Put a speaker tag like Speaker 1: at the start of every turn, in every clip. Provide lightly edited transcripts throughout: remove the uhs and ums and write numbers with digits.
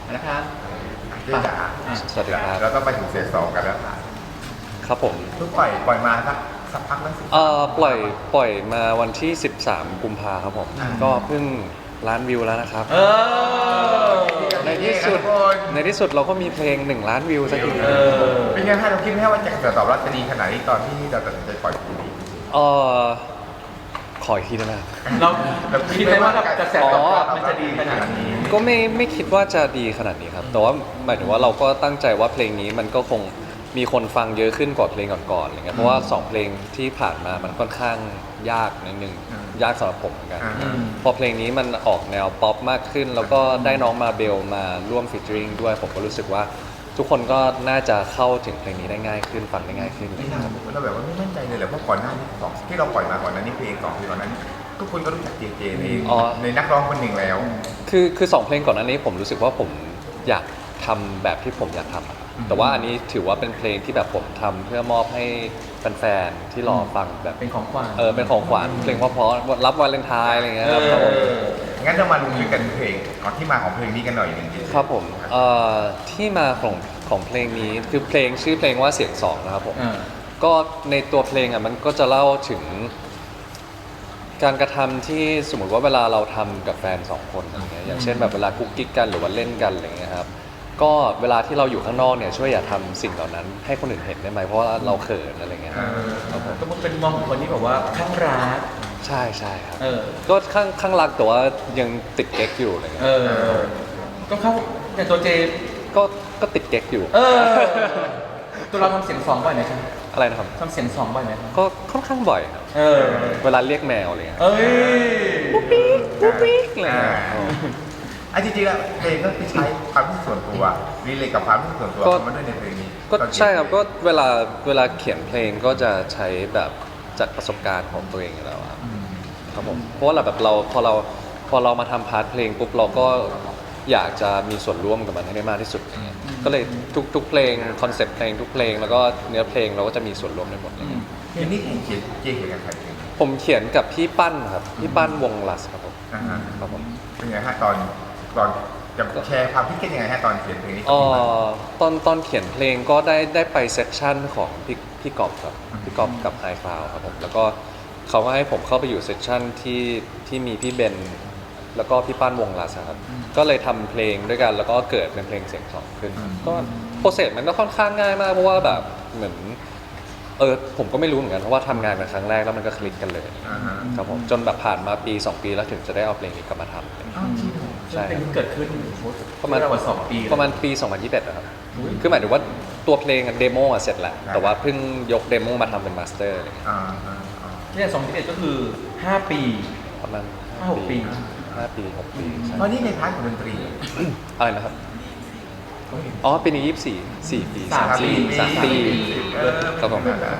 Speaker 1: นะครับ
Speaker 2: เจ๊จ๋า
Speaker 3: สวัสดีครับ
Speaker 2: เราต้องไปถึงเฟส 2กันแล้วค่ะ
Speaker 3: ครับผม
Speaker 2: เพิ่งปล่อยมาสักพักแล้วสิ
Speaker 3: ปล่อยมาวันที่ 13 กุมภาครับผม ก็เพิ่งล้านวิวแล้วนะครับ ในที่สุดเราก็มีเพลง1 ล้านวิวสักที
Speaker 2: เป็นไงฮะเราคิดไหมว่าจะกระแสตอบรับจะดีขนาดนี้ตอนที่เราตัดสินใจปล่อยเพลงนี้
Speaker 3: เออขออีกทีได้ไหมครับ
Speaker 1: เราคิดไหมว่ากระแสตอบรับมันจะดีขนาดนี้
Speaker 3: ก็ไม่คิดว่าจะดีขนาดนี้ครับ แต่ว่าหมายถึงว่าเราก็ตั้งใจว่าเพลงนี้มันก็คงมีคนฟังเยอะขึ้นกว่าเพลงก่อนๆอะไรเงี้ยเพราะว่า2เพลงที่ผ่านมามันค่อนข้างยากนิดนึงยากสำหรับผมเหมือนกัน พอเพลงนี้มันออกแนวป๊อปมากขึ้น แล้วก็ได้น้องมาเบลมาร่วมฟีเจอริงด้วยผมก็รู้สึกว่าทุกคนก็น่าจะเข้าถึงเพลงนี้ได้ง่ายขึ้นฟังได้ง่ายขึ้น
Speaker 2: ไม่น่าเราแบบว่าไม่มั่นใจเลยแหละเพราะก่อนหน้านี้ที่เราปล่อยมาก่อนหน้านี้เพลง2เพลงก่อนหนั้นทุกคนก็รู้จักเจในนักร้องคนหนึ่งแล้ว
Speaker 3: คือ2เพลงก่อนหน้านี้ผมรู้สึกว่าผมอยากทำแบบที่ผมอยากทำอะแต่ว่าอันนี้ถือว่าเป็นเพลงที่แบบผมทำเพื่อมอบให้แฟนๆที่รอฟังแบบ
Speaker 1: เป็นของขวัญ
Speaker 3: เป็นของขวัญเพลงเพราะๆรับวาเลนไทน์อะไรเงี้ยครับผม
Speaker 2: งั้นเรามาลงลึกกันเพลงก่อนที่มาของเพลงนี้กันหน่อยหนึ่งดี
Speaker 3: ครับผมที่มาของเพลงนี้คือเพลงชื่อเพลงว่าเสียง2นะครับผมก็ในตัวเพลงอ่ะมันก็จะเล่าถึงการกระทำที่สมมติว่าเวลาเราทำกับแฟน2 คนอะไรเงี้ยอย่างเช่นแบบเวลากุ๊กกิ๊กกันหรือว่าเล่นกันอะไรเงี้ยครับก็เวลาที่เราอยู่ข้างนอกเนี่ยช่วยอย่าทำสิ่งเหล่านั้นให้คนอื่นเห็นได้ไหมเพราะว่าเราเขินอะไรเงี้ยครับผม
Speaker 1: ก็เป็นมองของคนที่แบบว่าข้างรัก
Speaker 3: ใช่ครับ
Speaker 1: เออ
Speaker 3: ก็ข้างรักแต่ว่ายังติดเก๊กอยู่อะไรเงี้ย
Speaker 1: ก็เข้าแต่ตัวเจ
Speaker 3: ก็ติดเก๊กอยู่
Speaker 1: ตัวเราทำเสียงสองบ่อยไหมครับ
Speaker 3: อะไรนะครับ
Speaker 1: ทำเสียงสองบ่อยไหมครับ
Speaker 3: ก็ค่อนข้างบ่อยครับ เวลาเรียกแมวอะไรเงี้ย
Speaker 1: เอ้ย
Speaker 3: ปุ๊บปิ๊กอะไรเงี้ย
Speaker 2: จริงๆแล้วเพลงก็คือใช้ความรู้สึกส่วนตัวรีเลทกับความรู้สึกส่วนตัวเข้ามาด้วยในเพลงนี้
Speaker 3: ก็ใช่ครับก็เวลาเขียนเพลงก็จะใช้แบบจากประสบการณ์ของตัวเองอยู่แล้วอะครับผมเพราะว่าเราพอเรามาทำพาร์ทเพลงปุ๊บเราก็อยากจะมีส่วนร่วมกับมันให้ได้มากที่สุดอย่างเงี้ยก็เลยทุกเพลงคอนเซ็ปต์เพลงทุกเพลงแล้วก็เนื้อเพลงเราก็จะมีส่วนร่วมได้หมดเลย
Speaker 2: เพลงนี้เขียนกับใครเพลง
Speaker 3: ผมเขียนกับพี่ปั้นครับพี่ปั้นวงลัสครับผม ครับผม
Speaker 2: เป็นไงฮะตอนจะแชร์ความคิดเห็นยังไงฮะตอนเขียนเพลงนี้
Speaker 3: ตอนเขียนเพลงก็ได้ไปเซสชั่นของพี่กอบครับพี่กอบกับไฮคลาวครับผมแล้วก็เขาก็ให้ผมเข้าไปอยู่เซสชั่นที่มีพี่เบนแล้วก็พี่ปั้นวงลัสครับก็เลยทำเพลงด้วยกันแล้วก็เกิดเป็นเพลงเสียงสองขึ้นก็โปรเซสมันก็ค่อนข้างง่ายมากเพราะว่าแบบเหมือนผมก็ไม่รู้เหมือนกันเพราะว่าทำงานกันครั้งแรกแล้วมันก็คลิกกันเลยครับผมจนแบบผ่านมาปี 2 ปีแล้วถึงจะได้เอาเพลงนี้กลับมาทำ ใช่
Speaker 1: เป็นที่เกิดขึ้น
Speaker 3: ประมาณ
Speaker 1: ระหว่าง2 ปี
Speaker 3: ประมาณปี 2021นะครับคือหมายถึงว่าตัวเพลงเดโมเสร็จแล้วแต่ว่าเพิ่งยกเดโมมาทำเป็นมาสเตอร์อะไรเงี้ย
Speaker 1: เนี่ย2021ก็คือ5 ปี
Speaker 3: ประมาณ
Speaker 1: 5-6 ปี
Speaker 3: 5 ปี 6 ปีใช่
Speaker 2: เพราะนี่ในพาร์ทของดนตรี
Speaker 3: อะไรนะครับอ๋อปีนี้4 ปี
Speaker 1: สามปี
Speaker 3: 3 ปีครับผม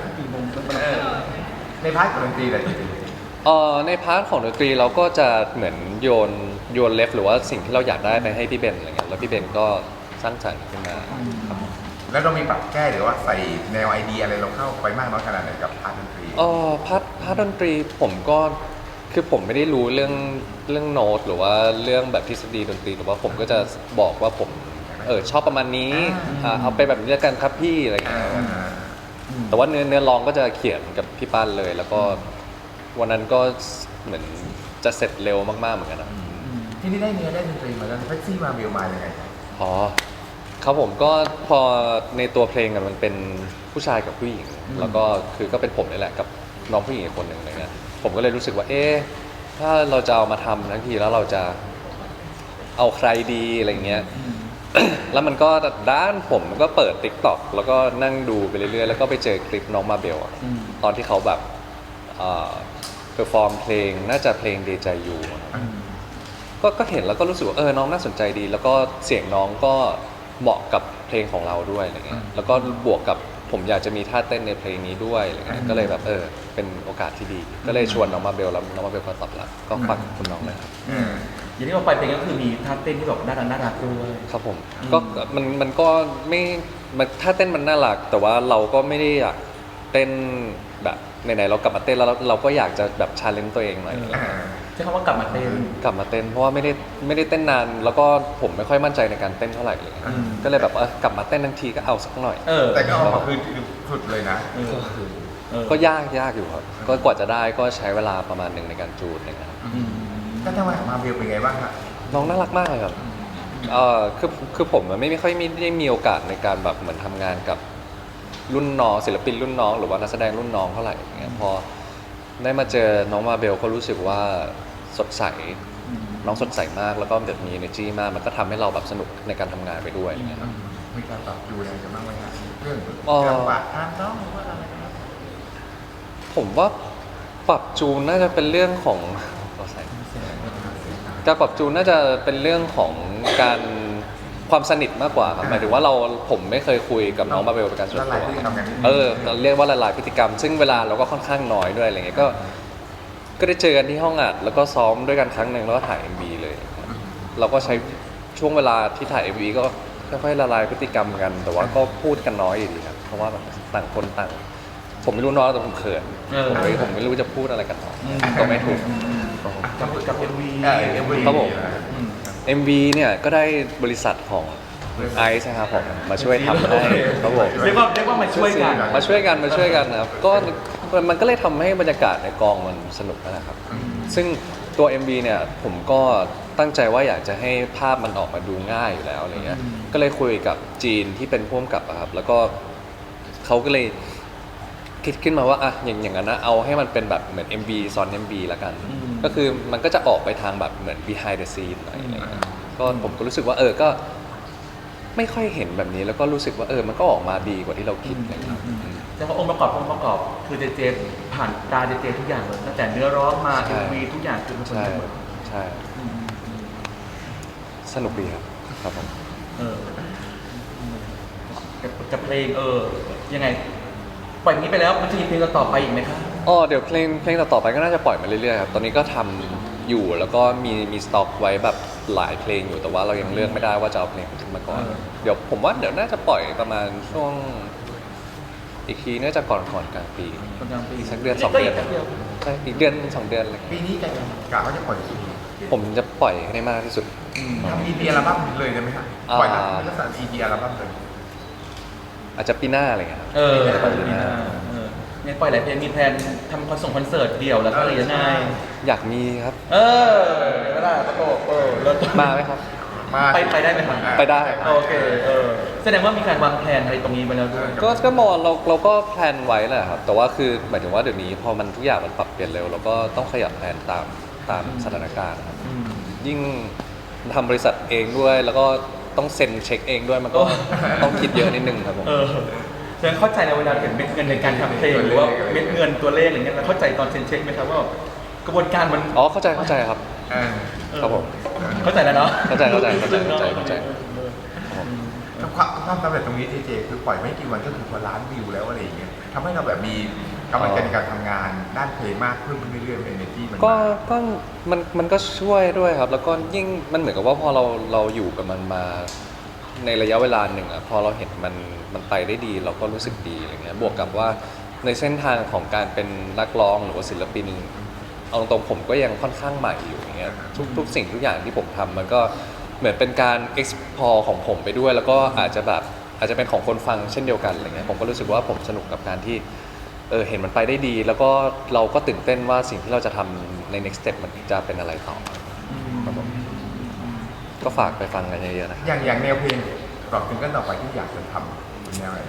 Speaker 2: ในพาร์ทของดนตรีอะไร
Speaker 3: ในพาร์ทของดนตรีเราก็จะเหมือนโยนเลฟหรือว่าสิ่งที่เราอยากได้ไปให้พี่เบนอะไรเงี้ยแล้วพี่เบนก็สร้างสรรค์ขึ้นมาครับผม
Speaker 2: แล้วเรามีปรับแก้หรือว่าใส่แนวไอเดียอะไรเราเข้าไปมากน้อยขนาดไหนกับพาร์ทดนตรี
Speaker 3: พาร์ทดนตรีผมก็คือผมไม่ได้รู้เรื่องโน้ตหรือว่าเรื่องแบบทฤษฎีดนตรีหรือว่าผมก็จะบอกว่าผมชอบประมาณนี้เอาไปแบบนี้แล้วกันครับพี่อะไรอย่างเงี้ยแต่ว่าเนื้อร้องก็จะเขียนกับพี่ปั้นเลย แล้วก็วันนั้นก็เหมือนจะเสร็จเร็วมากๆเหมือนกันนะ
Speaker 2: ที่นี่ได้เนื้อได้ดนตรีมาแล้วแท็กซี่มาเบลมายังไง
Speaker 3: อ๋อครับผมก็พอในตัวเพลงมันเป็นผู้ชายกับผู้หญิงแล้วก็คือก็เป็นผมนี่แหละกับน้องผู้หญิงอีกคนหนึ่งอะไรเงี้ยผมก็เลยรู้สึกว่าถ้าเราจะเอามาทำทั้งทีแล้วเราจะเอาใครดีอะไรเงี้ย แล้วมันก็ด้านผมก็เปิด TikTok แล้วก็นั่งดูไปเรื่อยๆแล้วก็ไปเจอคลิปน้องมาเบลอะตอนที่เขาแบบเพอร์ฟอร์มเพลงน่าจะเพลงเดจายูก็เห็นแล้วก็รู้สึกว่าน้องน่าสนใจดี แล้วก็เสียงน้องก็เหมาะกับเพลงของเราด้วยอะไรเงี้ยแล้วก็บวกกับผมอยากจะมีท่าเต้นในเพลงนี้ด้วยอะไรเงี้ยก็เลยแบบเป็นโอกาสที่ดี ก็เลยชวนน้องมาเบลแล้วน้องมาเบลก็ตอบรับก็ฝากคุณน้องเลยครับ
Speaker 1: อย่างที่เราไปเพลงก็คือมีท่าเต้นที่แบบน่ารักด้วย
Speaker 3: ครับผมก็มันก็ไม่ถ้าเต้นมันน่ารักแต่ว่าเราก็ไม่ได้อยากเต้นแบบไหนๆเรากลับมาเต้นแล้วเราก็อยากจะแบบชาเลนจ์ตัวเองหน่อย
Speaker 1: ใช้คำว่ากลับมาเต้น
Speaker 3: กลับมาเต้นเพราะว่าไม่ได้เต้นนาน แล้วก็ผมไม่ค่อยมั่นใจในการเต้นเท่าไหร่เลย
Speaker 1: อืม
Speaker 3: ก็เลยแบบกลับมาเต้นทั้งทีก็เอาสักหน่อย
Speaker 2: แต่ก็ออกมาคือสุดเลยนะ
Speaker 3: ก็ยากอยู่ครับก็กว่าจะได้ก็ใช้เวลาประมาณหนึ่งในการจูนนะครับ
Speaker 2: ก็ทำไมมาเบลเป็นไงบ้างฮะ
Speaker 3: น้องน่ารักมากเลยครับคือผมไม่ค่อยได้มีโอกาสในการแบบเหมือนทำงานกับรุ่นน้องศิลปินรุ่นน้องหรือว่านักแสดงรุ่นน้องเท่าไหร่อย่างเงี้ยพอได้มาเจอน้องมาเบลก็รู้สึกว่าสดใสน้องสดใสมากแล้วก็แบบมี energy มากมันก็ทำให้เราแบบสนุกในการทำงานไปด้วยอย่างเงี้ย
Speaker 2: มีการปรับดูแลกันบ้างไหมฮะเรื่อง
Speaker 3: อ๋อ
Speaker 2: การปะทานน้องหรือว่าอะไรนะครับ
Speaker 3: ผมว่าปรับจูนน่าจะเป็นเรื่องของการปรับจูนน่าจะเป็นเรื่องของการความสนิทมากกว่าครับหมายถึงว่าผมไม่เคยคุยกับน้องมาเบลเป็นการส่วน
Speaker 2: ละลา
Speaker 3: ตั
Speaker 2: ยว พฤติกรรมกันนิดนึง
Speaker 3: เราเรียกว่าละลายพฤติกรรม ซึ่งเวลาเราก็ค่อนข้างน้อยด้วยอะไรเงี้ยก็ได้เจอกันที่ห้องอัดแล้วก็ซ้อมด้วยกันครั้งหนึ่งแล้วก็ถ่าย MV เลย เราก็ใช้ช่วงเวลาที่ถ่าย MV ก็ค่อยๆละลายพฤติกรรมกัน แต่ว่าก็พูดกันน้อยอยู่ดีครับเพราะว่าแบบต่างคนต่างผมไม่รู้น้อยแต่ผมเขินผมไม่รู้จะพูดอะไรกันต่อก็ไม่ถูก
Speaker 1: กับ MV
Speaker 3: ครับผม MV เนี่ยก็ได้บริษัทของไอซ์นะครับผมมาช่วยทำให้ครับผม
Speaker 1: เรียกว่ามาช่วยกัน
Speaker 3: มาช่วยกันนะครับก็มันก็เลยทำให้บรรยากาศในกองมันสนุกนะครับ ซึ่งตัว MV เนี่ยผมก็ตั้งใจว่าอยากจะให้ภาพมันออกมาดูง่ายอยู่แล้วอะไรเงี้ยก็เลยคุยกับจีนที่เป็นผู้กำกับอะครับแล้วก็เขาก็เลยคิดขึ้นมาว่าอย่างนั้นนะเอาให้มันเป็นแบบเหมือน MV ซ้อน MV ละกัน ก็คือมันก็จะออกไปทางแบบเหมือน behind the scene หน่อยอะไรเงี้ยก็ผมก็รู้สึกว่าก็ไม่ค่อยเห็นแบบนี้แล้วก็รู้สึกว่ามันก็ออกมาดีกว่าที่เราคิดอะไรเงี้ย
Speaker 1: แต่ว่าองค์ประกอบคือเจผ่านตาเจทุกอย่างเลยตั้งแต่เนื้อร้องมา MV ทุกอย่างคือมันคน
Speaker 3: ใช่
Speaker 1: เดียวหมด
Speaker 3: ใช่สนุกดีครับผม
Speaker 1: กับเพลงยังไงปล่อยนี้ไปแล้วมันจะมีเพลงต่อไปอีกไหมครับ
Speaker 3: เดี๋ยวเพลงต่อไปก็น่าจะปล่อยมาเรื่อยๆครับตอนนี้ก็ทำอยู่แล้วก็มีสต็อกไว้แบบหลายเพลงอยู่แต่ว่าเรายังเลือกไม่ได้ว่าจะเอาเพลงขึ้นมาก่อนเดี๋ยวผมว่าเดี๋ยวน่าจะปล่อยประมาณช่วงอีกทีน่าจะก่อนกลางปี
Speaker 1: กลางปี
Speaker 3: สักเดือน2 เดือน
Speaker 1: ก็กแป๊บดียว
Speaker 3: ใช่อีกเดือน 2 เดือนอะไรเงี้ย
Speaker 2: ปีนี้กะว่าจะปล่อยกี่
Speaker 3: ผมจะปล่อยให้ได้มากที่สุด
Speaker 2: ทำ EP อัลบั้มเลยได้ไหมฮะปล่อยเป็นลักษณะ EP อัลบั้มเลย
Speaker 3: อาจจะปีหน้าอะไรเงี้ยครับ
Speaker 1: ปล่อยปีหน้าเนี่ยปล่อยหลายเพลงมีแพลนทำคอนเสิร์ตเดี่ยวแล้วก็อะไรยังไง
Speaker 3: อยากมีครับ
Speaker 1: ก็ได้ประโตแล้ว
Speaker 3: มาไหมครับ
Speaker 1: ไปได้ไหมครับ
Speaker 3: ไปได้
Speaker 1: โอเคแสดงว่ามีการวางแผนอะไรตรงนี้ไปแล้วด้วย
Speaker 3: ก็มองเราก็แพลนไว้แหละครับแต่ว่าคือหมายถึงว่าเดี๋ยวนี้พอมันทุกอย่างมันปรับเปลี่ยนเร็วเราก็ต้องขยับแพลนตามสถานการณ์ครับ ยิ่งทำบริษัทเองด้วยแล้วก็ต้องเซ็นเช็คเองด้วยมันก็ต้องคิดเยอะนิดนึงครับผม
Speaker 1: แสดงเข้าใจในเวลาเห็นเม็ดเงินในการทำเพลงหรือว่าเม็ดเงินตัวเลขอะไรเงี้ยเราเข้าใจตอนเซ็นเช็คไหมครับว่ากระบวนการมัน
Speaker 3: เข้าใจครับครับผม
Speaker 1: เข้าใจแล้วเนาะ
Speaker 3: เข้าใจ
Speaker 2: ความสำเร็จตรงนี้เจคือปล่อยไม่กี่วันก็ถึงกว่าล้านวิวแล้วอะไรอย่างเงี้ยทำให้เราแบบมีกำลังใจในการทำงานด้านเพลงมากขึ้นเรื่อยๆ energy
Speaker 3: มันก็ช่วยด้วยครับ แล้วก็ยิ่งมันเหมือนกับว่าพอเราอยู่กับมันมาในระยะเวลาหนึ่งพอเราเห็นมันไปได้ดีเราก็รู้สึกดีอะไรเงี้ยบวกกับว่าในเส้นทางของการเป็นนักร้องหรือว่าศิลปินเอาตรงๆผมก็ยังค่อนข้างใหม่อยู่อย่างเงี้ยทุกสิ่งทุกอย่างที่ผมทำมันก็เหมือนเป็นการ explore ของผมไปด้วย แล้วก็อาจจะเป็นของคนฟังเช่นเดียวกันอะไรเงี้ยผมก็รู้สึกว่าผมสนุกกับการที่เห็นมันไปได้ดี แล้วก็เราก็ตื่นเต้นว่าสิ่งที่เราจะทำใน next step มันจะเป็นอะไรต่อครับผมก็ฝากไปฟังกันเยอะๆนะครับ
Speaker 2: อย่างแนวเพลงปรับถึงกันต่อไปที่อยากจะทำเป็นแนวอะไร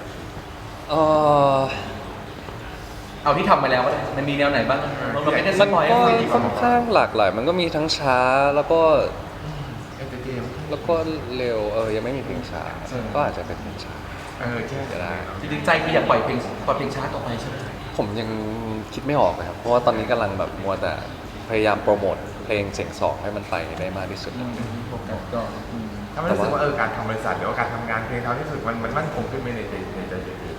Speaker 1: เอาที่ทำมาแล้วก็ได้มันมีแนวไหนบ้างเราไม่ได้ส
Speaker 3: มัน
Speaker 1: ปอย
Speaker 3: ก็
Speaker 1: ให้
Speaker 3: ค่อนข้างหลากหลายมันก็มีทั้งช้าแล้วก็
Speaker 2: entertainment
Speaker 3: เร็วยังไม่มีเพลงช้าก็อาจจะเป็นเพลงช้า
Speaker 2: ใช่
Speaker 3: ก็ได้
Speaker 1: จริงๆใจคืออยากปล่อยเพลงช้าต่อไปใช่ไหม
Speaker 3: ผมยังคิดไม่ออกเลยครับเพราะว่าตอนนี้กำลังแบบมัวแต่พยายามโปรโมทเพลงเสียงสองให้มันไปได้มากที่สุด
Speaker 1: ก็
Speaker 2: ถ้าไม่รู้สึกว่าการทำบริษัทหรือว่าการทำงานเพลงเราที่สุดมันมั่นคงขึ้นไหมในใจเจ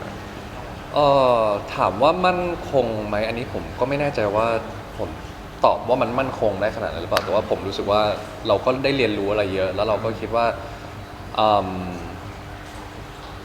Speaker 3: ถามว่ามั่นคงไหมอันนี้ผมก็ไม่แน่ใจว่าผมตอบว่ามันมั่นคงได้ขนาดนั้นหรือเปล่าแต่ว่าผมรู้สึกว่าเราก็ได้เรียนรู้อะไรเยอะ แล้วเราก็คิดว่า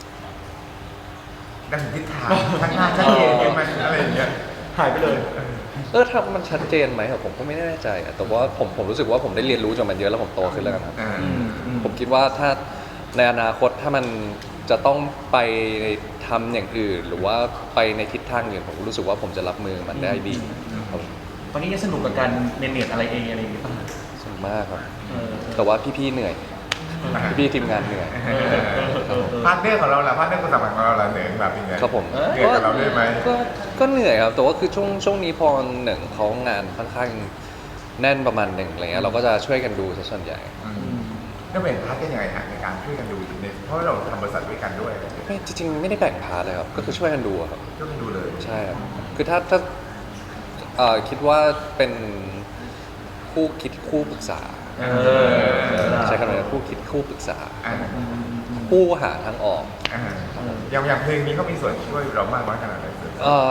Speaker 2: ได้ถึงทิศทางข้างหน้าชัดเจนมันอะไรอย่างเงี้ย
Speaker 1: หายไปเลย
Speaker 3: ถ้ามันชัดเจนไหมอะผมก็ไม่แน่ใจอะแต่ว่าผมรู้สึกว่าผมได้เรียนรู้จากมันเยอะแล้วผมโตขึ้นแล้วกันครับ
Speaker 2: อ่า
Speaker 3: ผมคิดว่าถ้าในอนาคตถ้ามันจะต้องไปทำอย่างอื่น หรือว่าไปในทิศทางอื่นผมรู้สึกว่าผมจะรับมือมันได้ดีครับ
Speaker 1: ตอนนี้ยังสนุกกับการเรียนอะไรเองอะไรอย่างเงี้ยป่ะ
Speaker 3: สนุกมากครับ
Speaker 1: เออ
Speaker 3: แต่ว่าพี่ๆเหนื่อยพี่ๆทีมงานเหนื่อย
Speaker 2: พาร์ทเนอร์ของเราล่ะพาร์ทเนอร์คนสำคัญของเราล่ะเหนื่อยแบบยังไง
Speaker 3: ครับผม
Speaker 2: เหนื่อยกับเราด้วยไหม
Speaker 3: ก็เหนื่อยครับแต่ว่าคือช่วงนี้พอหนึ่งเขางานค่อนข้างแน่นประมาณหนึ่งอะไรเงี้ยเราก็จะช่วยกันดูซะส่วนใหญ่
Speaker 2: แล้วแบ่งพาร์ทกันยังไงฮะในการช่วยกันดูเนี่ยเพราะเราทำบริษัทด้วยกันด้วย
Speaker 3: ไม่จริงๆไม่ได้แบ่งพาร์ทเลยครับก็คือช่วยกันดูอะครับ
Speaker 2: ช่วยกันดูเลย
Speaker 3: ใช่ครับคือถ้าคิดว่าเป็นคู่คิดคู่ปรึกษา
Speaker 1: เออ
Speaker 3: ใช้คำนี้คู่คิดคู่ปรึกษา
Speaker 2: อ่า
Speaker 3: คู่หาทางออก
Speaker 2: อ่าอย่างเพลงนี้เขามีส่วนช่วยเรามากน้อยขนาดไหนเสือ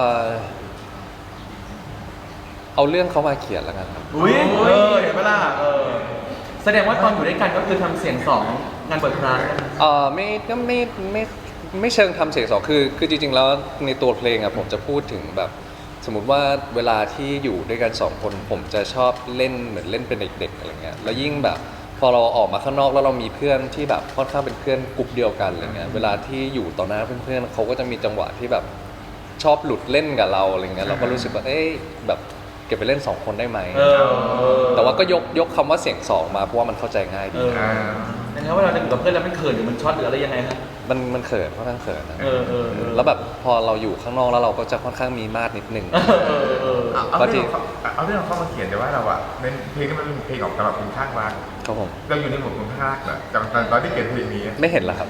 Speaker 3: เอาเรื่องเขามาเขียนแล้วกันครับ
Speaker 1: อุ้ยเห็นไหมล่ะแสดงว่าตอนอยู่ด้วยกันก็คือทำเสียงสองงานเปิดร้านกัน
Speaker 3: ไม่ก็ไม่เชิงทำเสียงสองคือจริงๆแล้วในตัวเพลงอะผมจะพูดถึงแบบ สมมุติว่าเวลาที่อยู่ด้วยกันสองคนผมจะชอบเล่นเหมือนเล่นเป็นเด็กๆอะไรเงี้ยแล้วยิ่งแบบพอเราออกมาข้างนอกแล้วเรามีเพื่อนที่แบบค่อนข้างเป็นเพื่อนกลุ่มเดียวกันอะไรเงี้ยเวลาที่อยู่ต่อหน้าเพื่อนๆเขาก็จะมีจังหวะที่แบบชอบหลุดเล่นกับเราอะไรเงี้ยเราก็รู้สึกว่าแบบเก็บไปเล่น2คนได้ไหมแต่ว่าก็ยกคำว่าเสียงสองมาเพราะว่ามันเข้าใจง่ายดี
Speaker 1: นะครับว่าเราจะอยู่กับเพื่อนแล้วมันเขินหรือมันช็อตหรืออะไรยังไงฮะ
Speaker 3: มันเขินค่อนข้างเขินนะ
Speaker 1: แล้ว
Speaker 3: แล้วแบบพอเราอยู่ข้างนอกแล้วเราก็จะค่อนข้างมีมาดนิดนึง
Speaker 2: เอาเรื่องเข้ามาเขียนแต่ว่าเราอะในเพลงนี้มันเป็นเพลงของสำหรับคุณข้างรัก
Speaker 3: ครับผม
Speaker 2: เราอยู่ในหมวดคุณข้างรักเหรอตอนที่เขียนเพลงนี้
Speaker 3: ไม่เห็นเหรอครับ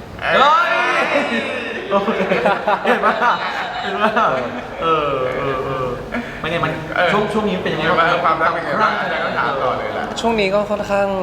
Speaker 1: เห็นไหมมันไงมันช่วงนี้เป็นยังไง
Speaker 2: ความรักเป็นไงบ้างอาจารย์ก็ถามต่อเลยล่ะ
Speaker 3: ช่วงนี้ก็ค่อนข้าง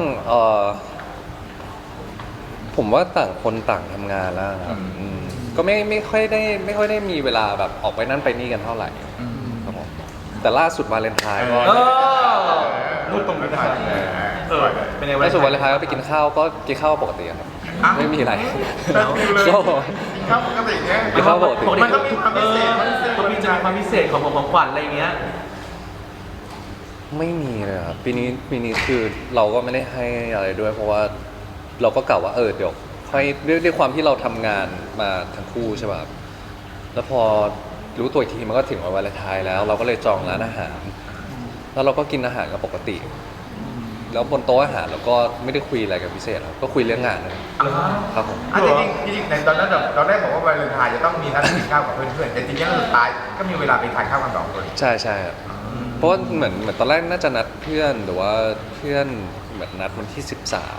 Speaker 3: ผมว่าต่างคนต่างทำงานแล้วนะครับก็ไม่ค่อยได้มีเวลาแบบออกไปนั่นไปนี่กันเท่าไหร่ครับผมแต่ล่าสุดวาเลนไทน์ก็
Speaker 1: รูปตรงนี้นะครับเป็นไง
Speaker 3: ล่าสุดวาเลนไทน์ก็ไปกินข้าวก็กินข้าวปกติครับไม่มีอะไร
Speaker 2: ก็ข้าวปกติไง
Speaker 3: กินข้าวปกติ
Speaker 2: มันก็มีความพิเศษ
Speaker 1: มันมีจะมีความพิเศษของขวัญอะไรอย่างเงี้ย
Speaker 3: ไม่มีเลยครับปีนี้คือเราก็ไม่ได้ให้อะไรด้วย เพราะว่าเราก็กล่าวว่าเดี๋ยวค่อยด้วยความที่เราทำงานมาทั้งคู่ใช่ป่ะครับแล้วพอรู้ตัวอีกทีมันก็ถึงวันวาเลนไทน์แล้ว เราก็เลยจองร้านอาหาร แล้วเราก็กินอาหารกันปกติ แล้วบนโต๊ะอาหารเราก็ไม่ได้คุยอะไรกันพิเศษครับก็คุยเรื่องงานเลยครับผม
Speaker 2: จริงในตอนนั้นตอนแรกบอกว่าวาเลนไทน์จะต้องมีนัดกินข้าวกับเพื่อนๆแต่จริงๆสุดท้ายก็มีเวลาไปทานข้าวกัน2 คน
Speaker 3: ใช่ครับเพราะว่าเหมือนตอนแรกน่าจะนัดเพื่อนหรือว่าเพื่อนเหมือนนัดวันที่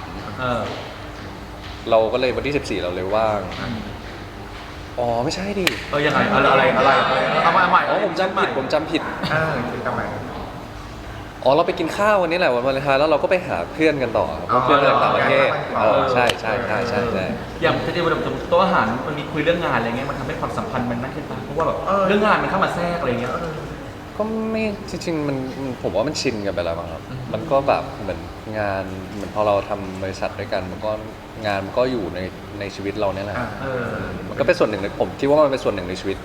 Speaker 3: 13เราก็เลยวันที่14เราเลยว่างอ๋อไม่ใช่ดิ
Speaker 1: ยังไงอะไรเอามาใหม่
Speaker 3: อ๋อผมจำผิด
Speaker 2: คิดทำไม
Speaker 3: อ๋อเราไปกินข้าววันนี้แหละวันวาเลนไทน์แล้วเราก็ไปหาเพื่อนกันต่อครับเพราะเพื่อนจากต่างประเทศใช่
Speaker 1: อย่างที่เราโต๊ะอาหารมันมีคุยเรื่องงานอะไรเงี้ยมันทำให้ความสัมพันธ์มันนั่นขึ้นไปเพราะว่าแบบเรื่องงานมันเข้ามาแทรกอะไรเงี้ย
Speaker 3: ก็ไม่จริงๆมันผมว่ามันชินกันไปแล้วมั้งครับมันก็แบบเหมือนงานเหมือนพอเราทำบริษัทด้วยกันมันก็งานมันก็อยู่ในชีวิตเราเนี่ยแหละมันก็เป็นส่วนหนึ่งในผมคิดว่ามันเป็นส่วนหนึ่งในชีวิต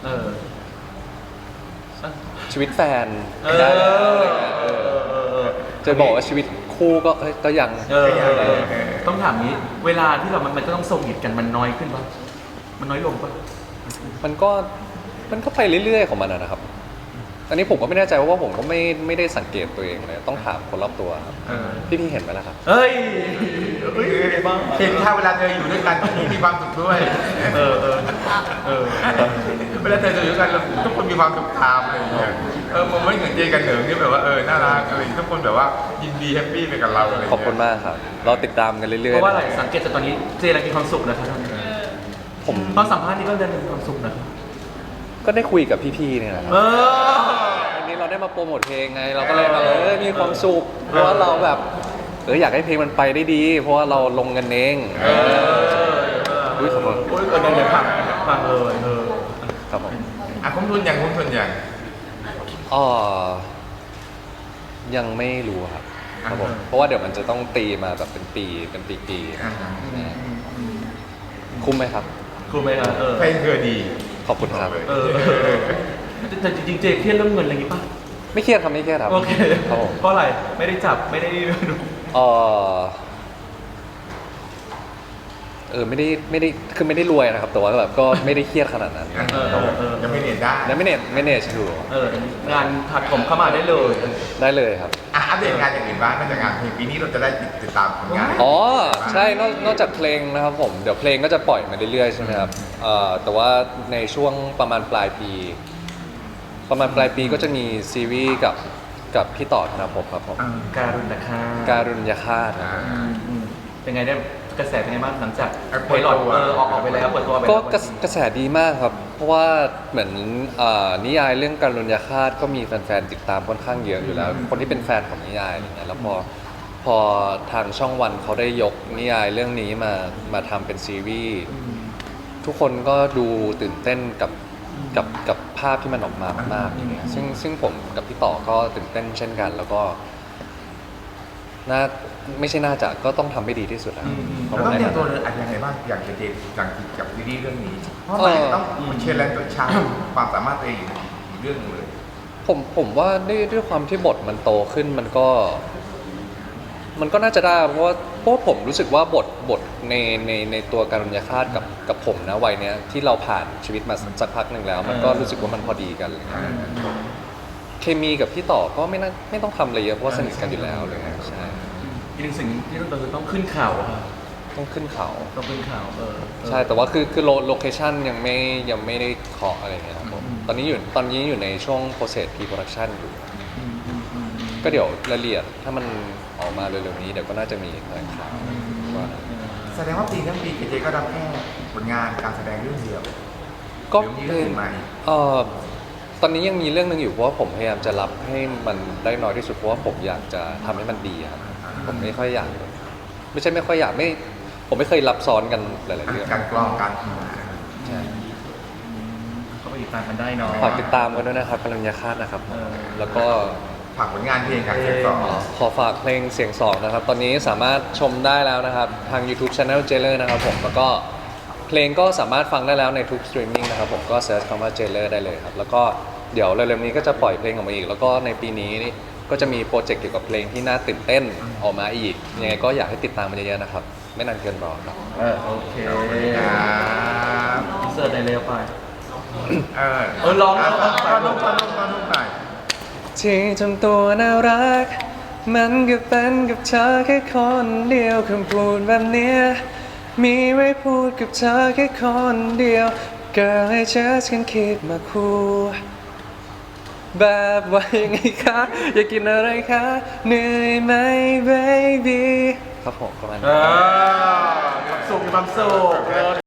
Speaker 3: ชีวิตแฟนได้อะไรเงี้ยจะบอกว่าชีวิตคู่ก็ยัง
Speaker 1: ต้องถามนี้เวลาที่เรามันจะต้องส่งหิดกันมันน้อยขึ้นป่ะมันน้อยลงป่ะ
Speaker 3: มันก็ไปเรื่อยๆของมันนะครับอันนี้ผมก็ไม่แน่ใจเพราะว่าผมก็ไม่ได้สังเกตตัวเองเลยต้องถามคนรอบตัวครับพี่เห็นไหมล่ะครับ
Speaker 1: เฮ้ย
Speaker 2: เห็นถ้าเวลาเธออยู่ด้วยกันที่มีความสุขด้วยเวลาเธออยู่ด้วยกันทุกคนมีความสุขตามอะไรอย่างเงี้ยมันไม่เหมือนเจกันเหนิงที่แบบว่าน่ารักอะไรทุกคนแบบว่ายินดีแฮปปี้ไปกับเราอะไร
Speaker 3: ขอบคุณมากครับเราติดตามกันเรื่อยๆ
Speaker 1: เพราะว่าอะไรสังเกตจากตอนนี้เจอะไรมีความสุขนะครับ
Speaker 3: ผม
Speaker 1: ตอนสัมภาษณ์นี่ก็เดินมีความสุขนะ
Speaker 3: ก็ได้คุยกับพี่ๆเนี่ยนะครับวันนี้เราได้มาโปรโมทเพลงไงเราก็เลยแบบมีความสุขเพราะว่าเราแบบอยากให้เพลงมันไปได้ดี เพราะว่าเราลงกันเองขอบคุณ
Speaker 1: เดี๋ยวฟังเลย
Speaker 3: ครับผม
Speaker 2: คุ้มทุนอย่าง
Speaker 3: ยังไม่รู้ครับผมเพราะว่าเดี๋ยวมันจะต้องตีมาแบบเป็นปีคุ้มไหมครับ
Speaker 1: คุ้มไหมครับ
Speaker 2: เพลงเธอดี
Speaker 3: ขอบคุณครับ
Speaker 1: แต่จริงๆเจเครียดเรื่องเงินอะไรอย่างงี้ป่ะ
Speaker 3: ไม่เครียดครับไม่เครียดครับ
Speaker 1: โอเค
Speaker 3: ครับผม
Speaker 1: เพราะอะไรไม่ได้จับไม่ได้ดู
Speaker 3: เอไม่ได้คือไม่ได้รวยนะครับ แต่ว่าแบบก็ไม่ได้เครียดขนาดนั้น
Speaker 2: ยังไม่เรียนได้
Speaker 3: แล้วไม่เนจอยู่
Speaker 1: งานถักผมเข้ามาได้เลย
Speaker 3: ได้เลยครับ
Speaker 2: อัปเดตงานอย่างอื่นบ้างนอกจากงานเพลงปีนี้เราจะได้ติดตามผลงาน
Speaker 3: อ๋อใช่นอกจากเพลงนะครับผมเดี๋ยวเพลงก็จะปล่อยมาเรื่อยๆใช่ไหมครับแต่ว่าในช่วงประมาณปลายปีก็จะมีซีรีส์กับพี่ต่อธนภพครับผม
Speaker 1: การุณนะคะ
Speaker 3: การุญยฆาตครับผม
Speaker 1: เป็นไงได้กระแสเป็นไงบ้างหลังจาก
Speaker 2: เปิดตัว
Speaker 1: ไพลอตออกไปแล้วเปิดตัวไป
Speaker 3: ก็
Speaker 1: แล้ว
Speaker 3: กระแสดีมากครับ เพราะว่าเหมือนนิยายเรื่องการุญยฆาตก็มีแฟนๆติดตามค่อนข้างเยอะอยู่แล้ว คนที่เป็นแฟนของนิยายอะไรเงี้ยแล้วพอทางช่องวันเขาได้ยกนิยายเรื่องนี้มาทำเป็นซีรีส์ทุกคนก็ดูตื่นเต้นกับภาพที่มันออกมามากๆอย่างเงี้ยซึ่งผมกับพี่ต่อก็ตื่นเต้นเช่นกัน แล้วก็ไม่ใช่น่าจะก็ต้องทำให้ดีที่สุดแล้วเพราะ
Speaker 2: เรา
Speaker 3: ว่า
Speaker 2: ต้อง
Speaker 3: ใน
Speaker 2: เตรียมตัว
Speaker 3: ฐานะ
Speaker 2: เลยอะไรยังไงบ้างอย่างเจอย่างกับซีรีส์เรื่องนี้ เพราะมันต้องเชลเลนตัวชาความสามารถตัวเองอีกเรื่องหนึงเลย
Speaker 3: ผมว่าด้วยความที่บทมันโตขึ้นมันก็น่าจะได้เพราะว่าผมรู้สึกว่าบทในตัวการุญยฆาตกับผมนะวัยเนี้ยที่เราผ่านชีวิตมาสักพักหนึ่งแล้ว มันก็รู้สึกว่ามันพอดีกันอะไรเงี้ยเคมีกับพี่ต่อก็ไม่ต้องทำอะไรเยอะเพราะว่าสนิทกันอยู่แล้วเลยใช่
Speaker 1: อีกหนึ่งสิ่งที่ต้องต้องขึ้นเขาค่ะ
Speaker 3: ต้องขึ้นเขา
Speaker 1: ต้องขึ้นเขา
Speaker 3: ใช่แต่ว่าคือโลเคชั่นยังไม่ได้เคาะอะไรเงี้ยครับผมตอนนี้อยู่ในช่วง process pre-production อยู่ ก็เดี๋ยวรายละเอียดถ้ามันออกมาเร็วๆนี้เดี๋ยวก็น่าจะมีแถลงข่าวว่า
Speaker 2: แสดงว่าปีทั้งปีเจก็รับแค่ผลงานการแสดงเรื่องเดียว
Speaker 3: ก็
Speaker 2: เดี๋ยวมีเรื่องอื่นมาอีก
Speaker 3: ตอนนี้ยังมีเรื่องหนึงอยู่เพราะว่าผมพยายามจะรับให้มันได้น้อยที่สุดเพราะว่าผมอยากจะทำให้มันดีครับผมไม่ค่อยอยากไม่ใช่ไม่ค่อยอยากผมไม่เคยรับซ้อนกันหลายๆเรื่อง
Speaker 2: การกรองการ
Speaker 3: ใช่
Speaker 1: ก็ไปติดตามกันได้เนาะ
Speaker 3: ฝากติดตามกันด้วยนะครับกัลยาฆาตนะครับแล้วก็
Speaker 2: ฝากผลงานเพลงกับเสียงสอง
Speaker 3: ขอฝากเพลงเสียงสองนะครับ ตอนนี้สามารถชมได้แล้วนะครับ ทาง YouTube Channel Jailer นะครับผมแล้วก็เพลงก็สามารถฟังได้แล้วในทุกสตรีมมิ่งนะครับผมก็เซิร์ชคำว่า Jailer ได้เลยครับ แล้วก็เดี๋ยวเร็วๆนี้ก็จะปล่อยเพลงออกมาอีก แล้วก็ในปีนี้นี่ก็จะมีโปรเจกต์เกี่ยวกับเพลงที่น่าตื่นเต้นออกมาอีกยังไงก็อยากให้ติดตามมันเยอะๆนะครับ ไม่นานเกินรอครับ
Speaker 1: โอเค
Speaker 2: ครับ
Speaker 1: เสิร์ชในเร็วไป
Speaker 2: ร้องตอนนุ่มหน่อย
Speaker 3: ที่ทำตัวน่ารัก มันก็เป็นกับเธอแค่คนเดียวคำพูดแบบเนี้ยมีไว้พูดกับเธอแค่คนเดียว Girl I just can't keep my cool แบบว่ายังไงคะ อยากกินอะไรคะ เหนื่อยไหม baby ครับผมประมาณนี้
Speaker 1: ความสุข